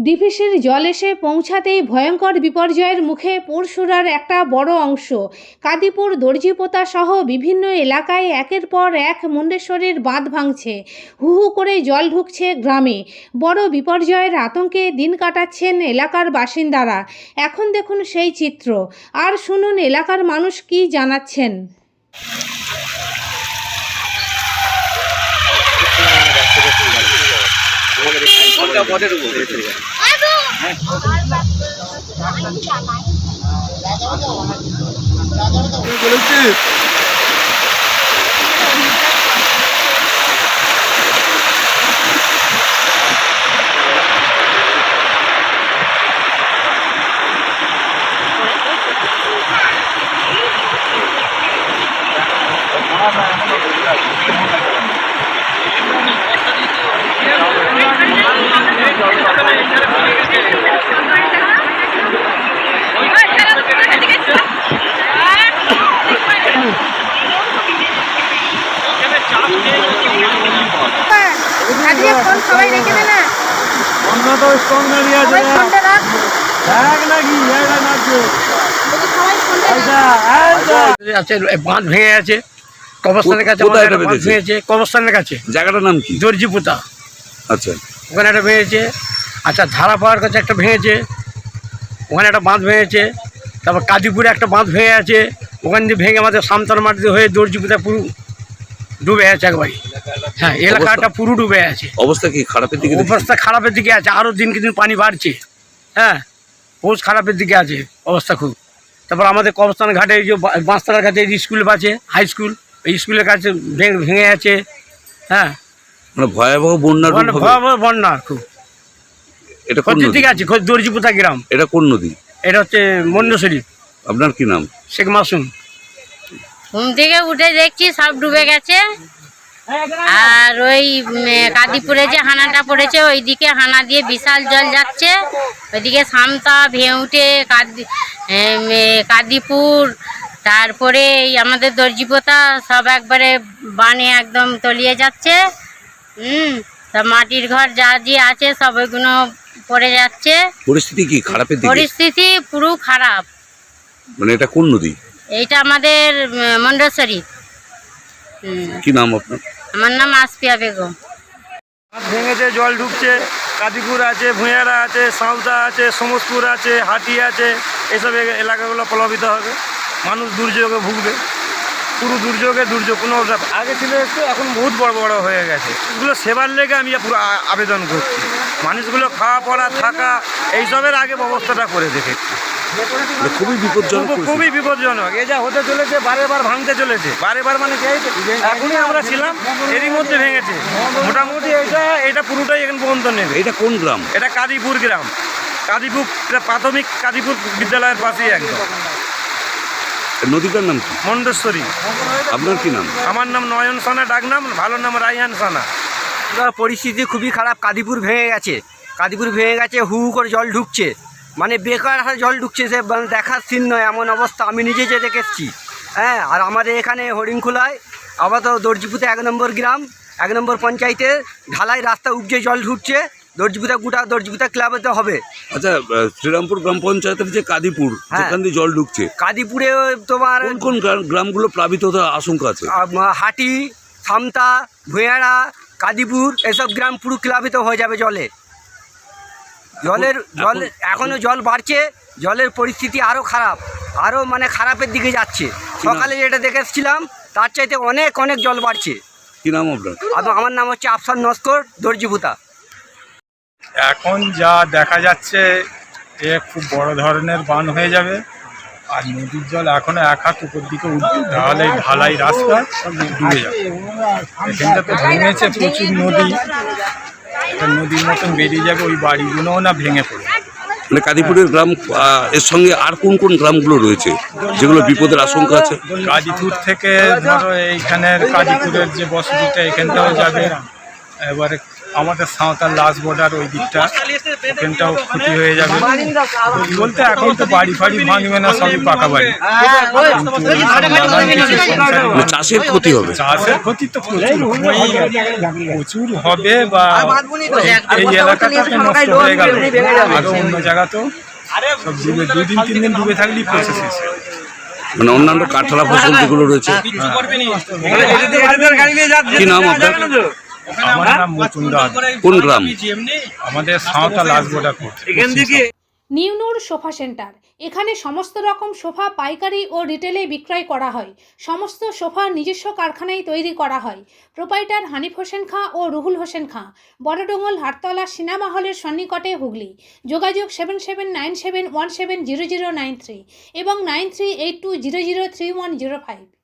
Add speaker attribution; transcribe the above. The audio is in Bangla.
Speaker 1: ডিভিসির জল এসে পৌঁছাতেই ভয়ঙ্কর বিপর্যয়ের মুখে পরশুরার একটা বড় অংশ। কাদিপুর, দর্জিপোতা সহ বিভিন্ন এলাকায় একের পর এক মুন্ডেশ্বরীর বাঁধ ভাঙছে, হু হু করে জল ঢুকছে গ্রামে। বড় বিপর্যয়ের আতঙ্কে দিন কাটাচ্ছেন এলাকার বাসিন্দারা। এখন দেখুন সেই চিত্র, আর শুনুন এলাকার মানুষ কি জানাচ্ছেন।
Speaker 2: বাঁধ ভেঙে আছে, কবরস্থানের কাছে ভেঙেছে। কবরস্থানের কাছে
Speaker 3: জায়গাটার নাম কি?
Speaker 2: দর্জিপোতা।
Speaker 3: আচ্ছা,
Speaker 2: ওখানে একটা ভেঙেছে। আচ্ছা, ধারা পাওয়ার কাছে একটা ভেঙেছে, ওখানে একটা বাঁধ ভেঙেছে। তারপর কাদিপুরে একটা বাঁধ ভেঙে আছে, ওখান দিয়ে ভেঙে আমাদের সামতার মাটিতে হয়ে দর্জিপোতা পুরো ডুবে আছে একবারে। হ্যাঁ, এলাকাটা পুরো ডুবে আছে।
Speaker 3: অবস্থা কি খারাপের দিকে?
Speaker 2: অবস্থা খারাপের দিকে আছে, আরও দিনকে দিন পানি বাড়ছে। হ্যাঁ, বহুত খারাপের দিকে আছে অবস্থা খুব। তারপর আমাদের কবরস্থান ঘাটে যে বাঁশতলার কাছে স্কুল আছে, হাই স্কুল, এই স্কুলের কাছে ভেঙে আছে। হ্যাঁ,
Speaker 3: মানে ভয়াবহ বন্যার
Speaker 2: ভয়াবহ বন্যা খুব।
Speaker 3: এটা কোন
Speaker 2: দিকে আছে? দর্জিপোতা গ্রাম।
Speaker 3: এটা কোন নদী?
Speaker 2: এটা হচ্ছে মুন্ডেশ্বরী।
Speaker 3: আপনার কি নাম?
Speaker 2: শেখ মাসুম।
Speaker 4: ঘুম থেকে উঠে দেখছি সব ডুবে গেছে। আর ওই কাদিপুরে যে হানাটা পড়েছে ওইদিকে হানা দিয়ে বিশাল জল যাচ্ছে। ওইদিকে সামতা, ভেউটে, কাদিপুর, তারপরে এই আমাদের দর্জিপোতা সব একবারে বানে একদম তলিয়ে যাচ্ছে। সব মাটির ঘর যা যে আছে সব ওইগুলো পড়ে যাচ্ছে।
Speaker 3: পরিস্থিতি কি খারাপের দিকে?
Speaker 4: পরিস্থিতি পুরো খারাপ।
Speaker 3: মানে এটা কোন নদী?
Speaker 4: এইটা আমাদের মুন্ডেশ্বরী।
Speaker 3: কি নাম আপনার?
Speaker 4: আমার নাম আসপিয়া বেগম।
Speaker 2: ভেঙেছে, জল ঢুকছে। কাদিপুর আছে, ভুঁইয়ারা আছে, সাঁওতা আছে, সমসপুর আছে, হাটি আছে। এসব এলাকাগুলো প্লাবিত হবে, মানুষ দুর্যোগে ভুগবে। পুরো দুর্যোগ। কোনো আগে ছিল একটু, এখন বহুত বড় বড় হয়ে গেছে। এগুলো সেবার লেগে আমি পুরো আবেদন করছি, মানুষগুলো খাওয়া পড়া থাকা এইসবের আগে ব্যবস্থাটা করে দেখেছি।
Speaker 3: খুবই বিপজ্জনক,
Speaker 2: খুবই বিপজ্জনক। এ যা হতে চলেছে, বারেবার ভাঙতে চলেছে। বারেবার মানে কি, এখনই আমরা ছিলাম, এরই মধ্যে ভেঙেছে। মোটামুটি এটা পুরোটাই এখন পর্যন্ত নেবে।
Speaker 3: এটা কোন গ্রাম?
Speaker 2: এটা কাদিপুর গ্রাম। কাদিপুর প্রাথমিক কাদিপুর বিদ্যালয়ের পাশেই একদম।
Speaker 3: নদীটার নাম কি?
Speaker 2: মুন্ডেশ্বরী।
Speaker 3: আপনার কি নাম?
Speaker 2: আমার নাম নয়ন সানা, ডাক নাম, ভালো নাম রাইহান সানা।
Speaker 5: পরিস্থিতি খুবই খারাপ। কাদিপুর ভেঙে গেছে, হু হু করে জল ঢুকছে, মানে বেকার জল ঢুকছে। সে দেখার সিন নয়, এমন অবস্থা। আমি নিজে যে দেখেছি। হ্যাঁ, আর আমাদের এখানে হরিণখোলায় আবার তো দর্জিপোতা 1 নম্বর গ্রাম, 1 নম্বর পঞ্চায়েতে ঢালাই রাস্তা উপজে জল ঢুকছে। দর্জিপোতা ক্লাবেতে হবে।
Speaker 3: আচ্ছা, শ্রীরামপুর গ্রাম পঞ্চায়েতের যে কাদিপুর, যেখান দিয়ে জল ঢুকছে,
Speaker 5: কাদিপুরে তোমার
Speaker 3: কোন গ্রামগুলো প্লাবিত হওয়ার আশঙ্কা আছে?
Speaker 5: হাটি, সামতা, ভুঁইয়ারা, কাদিপুর, এসব গ্রাম পুরো প্লাবিত হয়ে যাবে জলে। এখনো জল বাড়ছে। জলের পরিস্থিতি আরও খারাপ, আরও মানে খারাপের দিকে যাচ্ছে। সকালে যেটা দেখে এসেছিলাম তার চাইতে অনেক অনেক জল বাড়ছে।
Speaker 3: কি নাম আপনার?
Speaker 5: আমার নাম হচ্ছে আফসার নস্কর, দর্জিপোতা।
Speaker 6: এখন যা দেখা যাচ্ছে এ খুব বড় ধরনের বান হয়ে যাবে। আর নদীর জল এখনো 1 হাত উপর দিকে উঠবে, তাহলে ঢালাই রাস্তা ডুবে যাবে। এখানটা তো ভেঙেছে প্রচুর নদী, একটা নদীর মতন বেরিয়ে যাবে। ওই বাড়িগুলোও না ভেঙে পড়বে।
Speaker 3: মানে কাদিপুরের গ্রাম, এর সঙ্গে আর কোন কোন গ্রামগুলো রয়েছে যেগুলো বিপদের আশঙ্কা আছে?
Speaker 6: কাদিপুর থেকে ধরো এইখানের কাদিপুরের যে বসতিটা এখানটাও যাবে, এবারে আমাদের সাঁওতাল লাস্ট বর্ডার ওই দিকটা ওখানটাও ক্ষতি হয়ে যাবে বলতে এখন তো বাড়ি ফাড়ি ভাঙবে না, সবই পাকা বাড়ি।
Speaker 3: মানে চাষের ক্ষতি হবে।
Speaker 6: চাষের ক্ষতি তো প্রচুর হবে বা এই এলাকাটা তো নষ্ট হয়ে গেল, আরো অন্য জায়গা তো সব ডুবে 2-3 দিন ডুবে থাকলেই প্রসেস শেষ।
Speaker 3: মানে অন্যান্য কাঁঠালা ফসল যেগুলো রয়েছে। কি নাম আপনার?
Speaker 6: আমার নাম মুকুন্দ।
Speaker 3: কোন গ্রাম?
Speaker 6: আমাদের Santhal last border.
Speaker 1: নিউনুর sofa centre, এখানে সমস্ত রকম সোফা পাইকারি ও রিটেলে বিক্রয় করা হয়। সমস্ত সোফা নিজস্ব কারখানায় তৈরি করা হয়। প্রোপাইটার হানিফ হোসেন খাঁ ও রুহুল হোসেন খাঁ, বড়ডোঙ্গল হাটতলা সিনেমা হলের সন্নিকটে, হুগলি। যোগাযোগ 7797170093 এবং 9382003105।